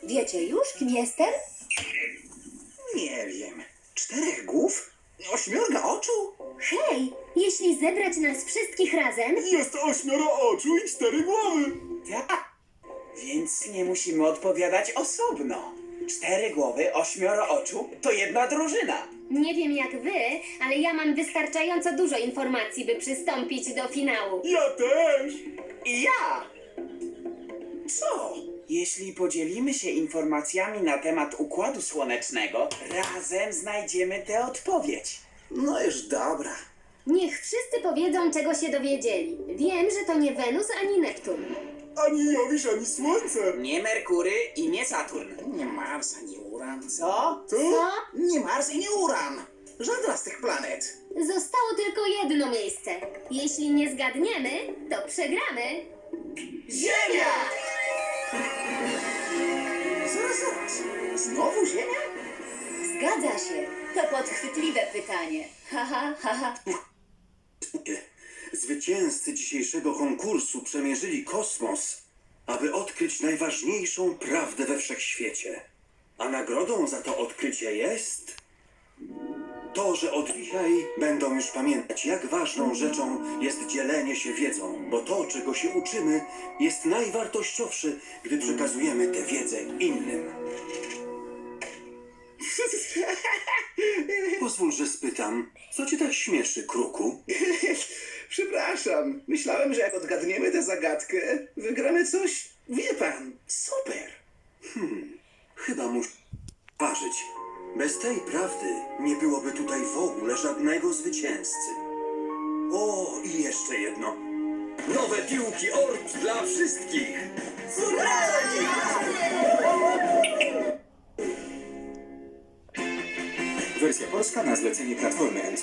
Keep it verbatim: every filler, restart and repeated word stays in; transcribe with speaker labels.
Speaker 1: Wiecie już, kim jestem?
Speaker 2: Nie wiem. Czterech głów? Ośmiorga oczu?
Speaker 1: Hej, jeśli zebrać nas wszystkich razem,
Speaker 3: Jest ośmioro oczu i cztery głowy.
Speaker 2: Tak. Więc nie musimy odpowiadać osobno. Cztery głowy, ośmioro oczu to jedna drużyna.
Speaker 1: nie wiem jak wy, ale ja mam wystarczająco dużo informacji, by przystąpić do finału.
Speaker 3: Ja też.
Speaker 2: I ja! Co? Jeśli podzielimy się informacjami na temat Układu Słonecznego, razem znajdziemy tę odpowiedź. No już dobra.
Speaker 1: Niech wszyscy powiedzą, czego się dowiedzieli. Wiem, że to nie Wenus ani Neptun.
Speaker 3: Ani Jowisz, ani Słońce.
Speaker 2: Nie Merkury i nie Saturn. Nie Mars ani Uran. Co?
Speaker 3: Co?
Speaker 1: Co?
Speaker 2: Nie Mars i nie Uran. Żadna z tych planet.
Speaker 1: Zostało tylko jedno miejsce. Jeśli nie zgadniemy, to przegramy.
Speaker 2: Ziemia! Zaraz, zaraz. Znowu Ziemia?
Speaker 1: Zgadza się. To podchwytliwe pytanie. Haha, haha.
Speaker 4: Zwycięzcy dzisiejszego konkursu przemierzyli kosmos, aby odkryć najważniejszą prawdę we wszechświecie. A nagrodą za to odkrycie jest to, że od dzisiaj będą już pamiętać, jak ważną rzeczą jest dzielenie się wiedzą, bo to, czego się uczymy, jest najwartościowsze, gdy przekazujemy tę wiedzę innym. Pozwól, że spytam, co cię tak śmieszy, kruku?
Speaker 2: Przepraszam. Myślałem, że jak odgadniemy tę zagadkę, wygramy coś, wie pan, super.
Speaker 4: Chyba muszę ważyć. Bez tej prawdy nie byłoby tutaj w ogóle żadnego zwycięzcy. O, i jeszcze jedno. Nowe piłki Orb dla wszystkich!
Speaker 5: Wersja polska na zlecenie Platformy M C